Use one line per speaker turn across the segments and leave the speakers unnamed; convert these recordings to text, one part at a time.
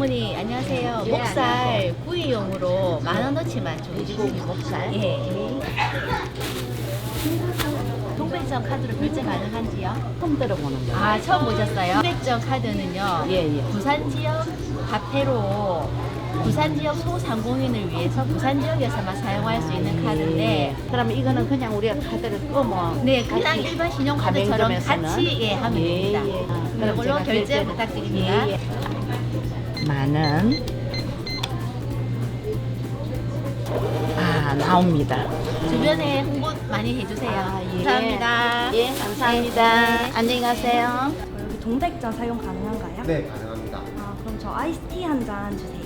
어머니 안녕하세요.
예,
목살 구이용으로 10,000원어치만
돼지고기 목살.
예. 동백전 카드로 결제 가능한지요?
처음 들어보는 거.
아 처음 보셨어요? 동백전 카드는요.
예, 예.
부산 지역 화폐로 부산 지역 소상공인을 위해서 부산 지역에서만 사용할 수 있는 카드인데
그러면 이거는 그냥 우리가 카드를 끄면
네 그냥 일반 신용카드처럼
가맹점에서는?
같이 예, 하면
예,
됩니다.
예. 그럼
이걸로
제가
결제
결제를-
부탁드립니다.
예, 예. 10,000원. 아, 나옵니다.
주변에 홍보 많이 해주세요.
아, 예.
감사합니다.
예, 감사합니다.
네.
안녕히 가세요.
여기 동백전 사용 가능한가요?
네, 가능합니다.
아, 그럼 저 아이스티 한 잔 주세요.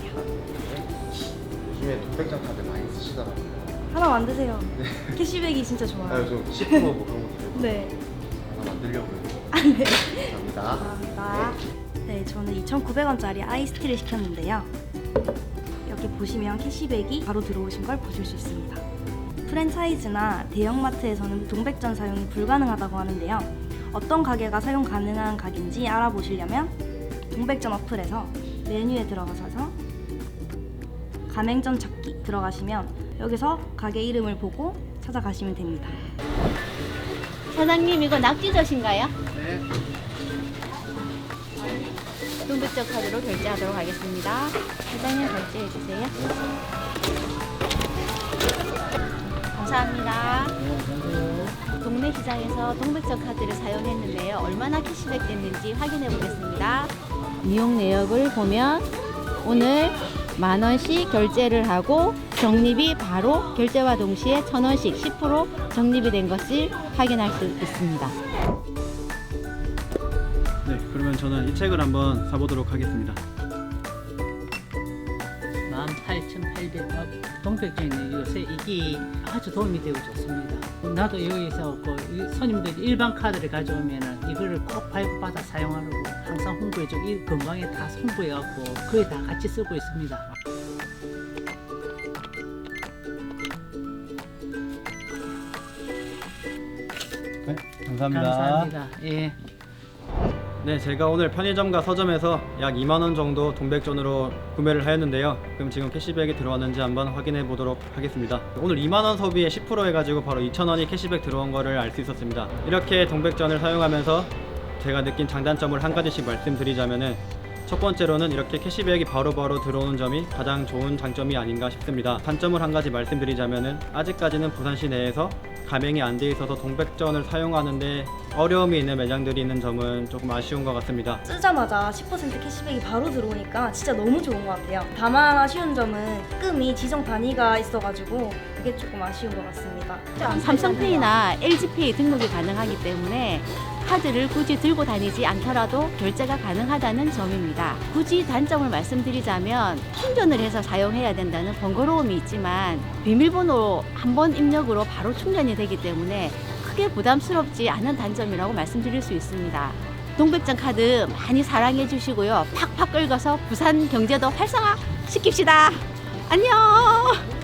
요즘에 동백장 카드 많이 쓰시더라고요.
하나 만드세요. 캐시백이 진짜
아,
좋아요.
요즘 10%뭐 그런 것도 되고
네.
하나 만들려고요.
네.
감사합니다.
감사합니다. 네, 저는 2,900원짜리 아이스티를 시켰는데요. 여기 보시면 캐시백이 바로 들어오신 걸 보실 수 있습니다. 프랜차이즈나 대형마트에서는 동백전 사용이 불가능하다고 하는데요. 어떤 가게가 사용 가능한 가게인지 알아보시려면 동백전 어플에서 메뉴에 들어가셔서 가맹점 찾기 들어가시면 여기서 가게 이름을 보고 찾아가시면 됩니다.
사장님 이거 낙지젓인가요?
네.
동백전 카드로 결제하도록 하겠습니다. 사장님 결제해 주세요. 감사합니다. 동네 시장에서 동백전 카드를 사용했는데요. 얼마나 캐시백 됐는지 확인해 보겠습니다. 이용 내역을 보면 오늘 10,000원씩 결제를 하고 적립이 바로 결제와 동시에 1,000원씩 10% 적립이 된 것을 확인할 수 있습니다.
네, 그러면 저는 이 책을 한번 사보도록 하겠습니다.
18,800원 동백전이 요새 이게 아주 도움이 되고 좋습니다. 나도 여기서 그 손님들이 일반 카드를 가져오면은 이거를 꼭 발급받아 사용하려고 항상 홍보해주고 이 건강에 다 홍보해갖고 거의 다 같이 쓰고 있습니다.
네, 감사합니다.
감사합니다. 예.
네, 제가 오늘 편의점과 서점에서 약 2만 원 정도 동백전으로 구매를 하였는데요. 그럼 지금 캐시백이 들어왔는지 한번 확인해 보도록 하겠습니다. 오늘 2만 원 소비에 10% 해가지고 바로 2,000원이 캐시백 들어온 거를 알 수 있었습니다. 이렇게 동백전을 사용하면서 제가 느낀 장단점을 한 가지씩 말씀드리자면은 첫 번째로는 이렇게 캐시백이 바로바로 들어오는 점이 가장 좋은 장점이 아닌가 싶습니다. 단점을 한 가지 말씀드리자면은 아직까지는 부산시 내에서 가맹이 안 돼 있어서 동백전을 사용하는데 어려움이 있는 매장들이 있는 점은 조금 아쉬운 것 같습니다.
쓰자마자 10% 캐시백이 바로 들어오니까 진짜 너무 좋은 것 같아요. 다만 아쉬운 점은 입금이 지정 단위가 있어가지고 그게 조금 아쉬운 것 같습니다.
삼성페이나 LG페이 등록이 가능하기 때문에 카드를 굳이 들고 다니지 않더라도 결제가 가능하다는 점입니다. 굳이 단점을 말씀드리자면 충전을 해서 사용해야 된다는 번거로움이 있지만 비밀번호 한 번 입력으로 바로 충전이 되기 때문에 크게 부담스럽지 않은 단점이라고 말씀드릴 수 있습니다. 동백전 카드 많이 사랑해 주시고요. 팍팍 긁어서 부산 경제도 활성화 시킵시다. 안녕!